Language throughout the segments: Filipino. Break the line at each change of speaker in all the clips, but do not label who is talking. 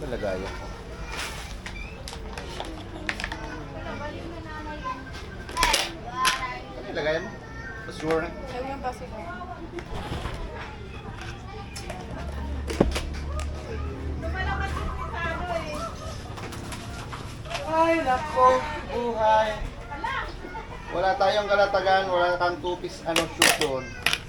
Nalagayan ko. Ano nilagayan mo? Sure na.
Ayaw yung baso ko.
Ay, nako, buhay. Wala tayong kalatagan, wala kang two-piece shoot doon.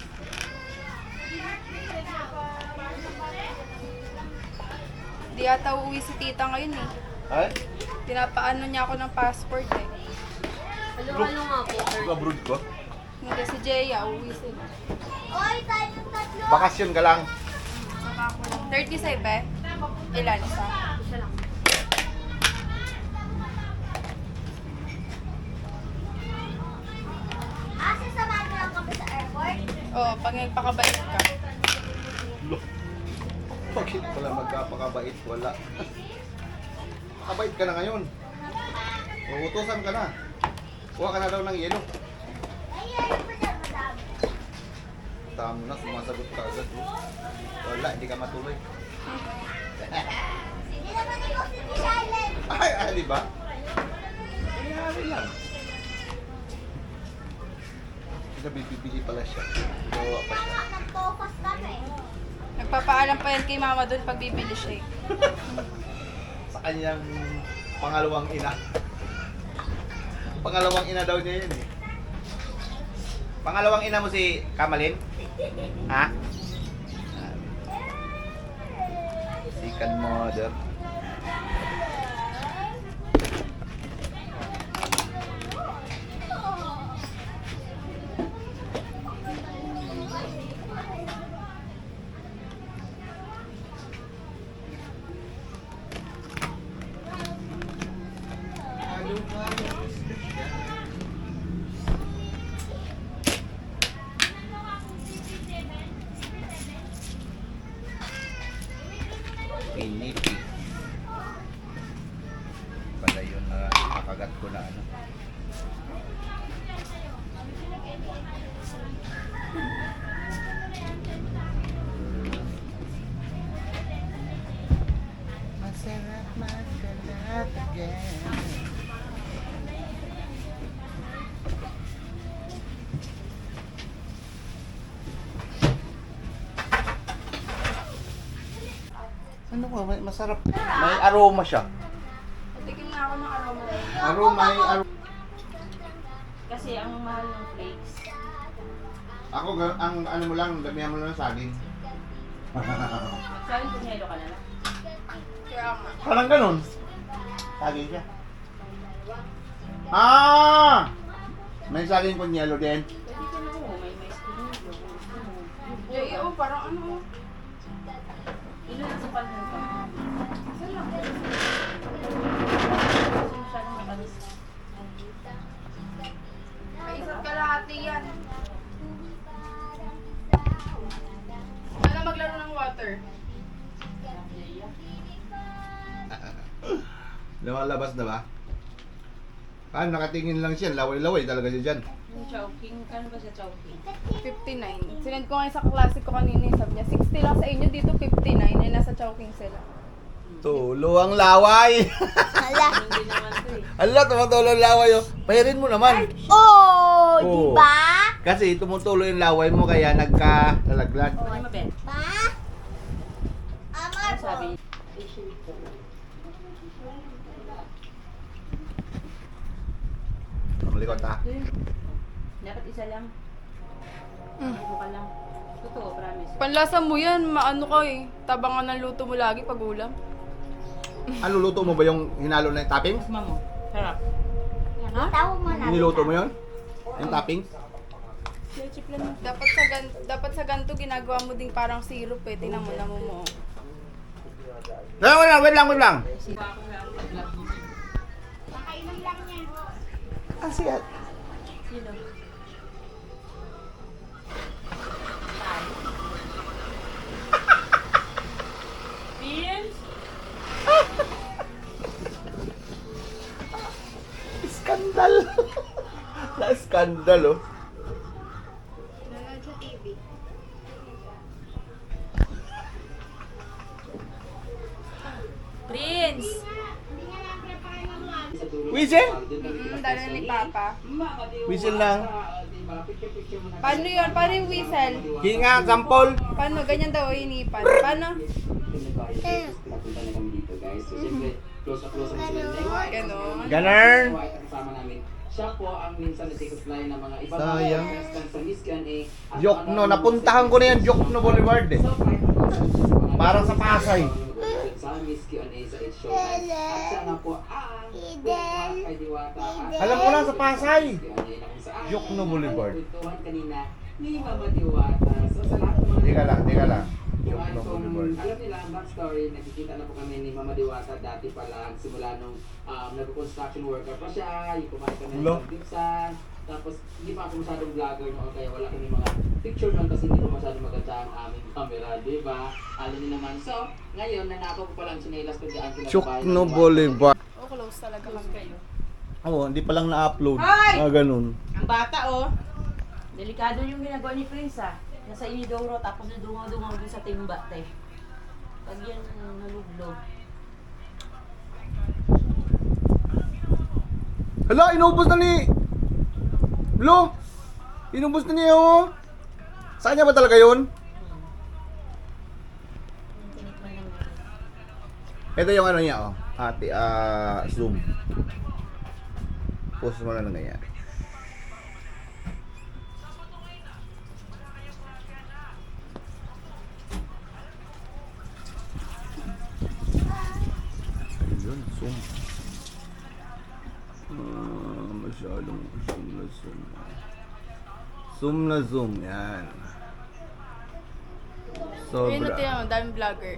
Di ata uuwi si tita ngayon eh.
Ay?
Pinapaano niya ako ng passport eh.
Ano nga po, sir?
Abroad ko?
Hindi si Jeya, uuwi sila.
Bakasyon ka lang.
Saka ako lang. 37 eh. Ilan isa?
Isa lang.
Sasamahan mo lang kami sa airport?
Oo, pag nagpakabait ka.
Bakit wala magkapakabait? Wala. Makabait ka na ngayon. Uutusan ka na. Kuha ka na daw ng yelo. Tama na, sumasagot ka agad. Wala, hindi ka matuloy.
Hindi naman ikaw si Miss Island.
Ay, di ba? Nangyari lang. Nabibili pala siya. Gawa pa siya.
Nag-focus kami.
Nagpapaalam pa yan kay mama doon pag bibili siya eh.
Sa kanyang pangalawang ina. Pangalawang ina daw niya yun eh. Pangalawang ina mo si Kamalin? Ha? Second mother. Pinipi. Pala yun na nakagat ko na ano. Masarap magkalat again. Ano ko, masarap. May aroma siya.
Patikim na ako ng aroma.
May aroma.
Kasi ang mahal ng flakes.
Ako, ang ano mo lang, damihan mo lang ng saging.
Saan punyelo ka na lang?
Kaya nga.
Parang ganun. Saging siya. Ah! May saging kunyelo din.
Pwede ka na mo, may skin mo.
Jeya, oh, parang ano.
Ilan ang sapal mo pa?
Isa lang.
Kasi masyadong matamis.
May isa't kalahati yan. Wala maglaro ng water.
Lumalabas na ba? Ah, nakatingin lang siya. Laway-laway talaga siya dyan.
Yung Chowking, kano ba siya Chowking?
59. Sinend ko ngayon sa klase ko kanina, sabi niya, 60 lang sa inyo, dito 59. Ay, nasa Chowking sila.
Tulo ang laway.
Hala.
Hindi naman ito eh.
Ala, tumutulo ang laway. Oh. Pahirin mo naman.
Oh,
Oo.
diba?
Kasi tumutulo yung laway mo kaya nagka-lalaglag.
Ano ba, Ben?
Pa? Amar
Ano
po.
sabi? Asian food.
Ang likod ha.
Dapat isa lang. Ibo ka lang. Totoo, promise.
Panlasa mo yan, maano ka eh. Tabangan ng luto mo lagi pag ulam.
Ano, luto mo ba yung hinalo na yung toppings?
Tikman mo. Sarap.
Itaw mo na.
Niluto mo yun? Yung toppings?
Chip lang.
Dapat sa ganto ginagawa mo ding parang syrup eh. Tingnan mo, namumuo.
Wait lang.
Pakainom lang niya.
Ah, siya.
Sino? Beans?
Skandal. Na-skandal, oh.
Nanonood sa TV. Prince.
Whistle?
Dala ni Papa.
Whistle lang.
Paano yun? Paano yung whistle?
Hinga, sampol.
Paano? Ganyan daw inipan. Paano? Ganon.
Ganern.
Siya po ang minsan nagtikuslay ng mga ibang
Sayang.
sa Miss Q&A.
Jokno, napuntahan ko na yan, Jokno Boulevard eh. Parang sa Pasay.
Sa Miss Q&A sa It's Show. At siya nga po ang kay Diwata.
Alam ko na sa Pasay.
Jokno
Jokno Boulevard.
kanina ni Mama Diwata. So sa lahat ng mga
Teka lang.
kung
Jokno
kung
Boulevard.
alam nila ang backstory, nakikita na po kami ni Mama Diwata dati pa lang, simula nung nag-construction worker pa siya, yung kumain kami
Hello?
ng pizza, tapos hindi pa ako masyadong vlogger noon, kaya wala kami mga picture noon kasi hindi pa masyadong maganda ang aming camera, di ba? Alam niyo naman. So, ngayon, nanakaw ko pa lang sinelas ko dyan.
Jokno Boulevard.
Oh, close talaga kami.
Oo, hindi pa lang na-upload.
Ay!
Ganun.
Ang bata, oh. Delikado yung ginagawa ni Prince, ah. Nasa inidoro, tapos nadungaw-dungaw dun sa timba, te. Pag yan nalublog.
Hala, inubos na ni... Lo! Inubos na niya oh. Saan niya ba talaga yun?
Tinikman lang.
Ito yung ano niya oh. Ate, zoom. Post mo na lang ganyan. Ayun, zoom. Masyadong zoom na zoom. Zoom na zoom, yan.
Ayun na
Sobra.
tiyan mo, daming vlogger.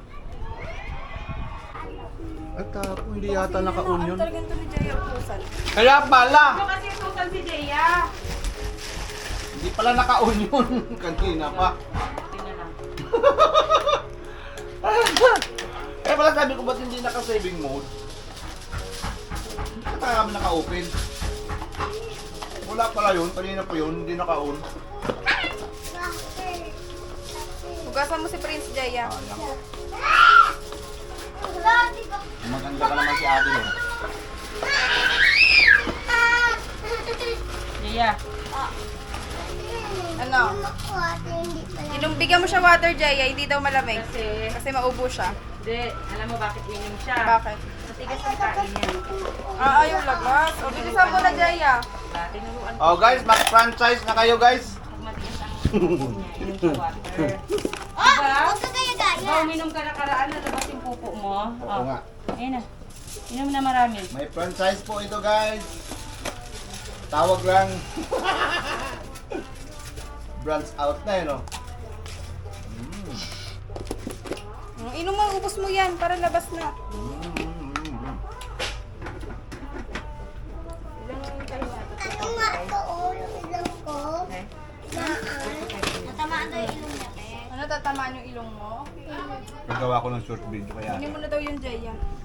At ako, hindi yata naka-on yun.
Ano talaga ito ni Jaya Pusan?
Kaya pala!
Kasi utusan si Jaya.
Hindi pala naka-on yun. Kanina pa.
Tingnan lang.
Kaya pala sabi ko ba't hindi naka-saving mode? Kaya kami naka-open. Wala pala yun. Kanina pa yun. Hindi naka-on.
Hugasan mo si Prince Jaya.
Maganda ka naman si ate no?
Jaya.
Ano? Bigyan mo siya water, Jaya. Hindi daw malamig. Kasi maubo siya.
Hindi, alam mo bakit inom siya?
Bakit?
Matigas ang kain niya.
Ayaw lagas. O, bilisan mo na, Jaya.
Tinuruan ko.
Oh guys, mag-franchise na kayo guys.
Pag matigas ang kain niya, inom sa water.
Oh,
Diba?
huwag ka gaya-gaya.
Diba, uminom ka nakaraan, nalabas yung pupo mo?
Oo nga.
Ayun na. Inom na marami.
May franchise po ito guys. Tawag lang. Branch out na yun oh.
Inom mo, ubos mo yan para labas na.
Ano nga ito, oh, yung ilong ko? Natamaan daw yung ilong niya, te.
Ano, tatamaan yung ilong mo?
Nagawa ko ng short video kaya.
Inom mo na daw yung Jaya.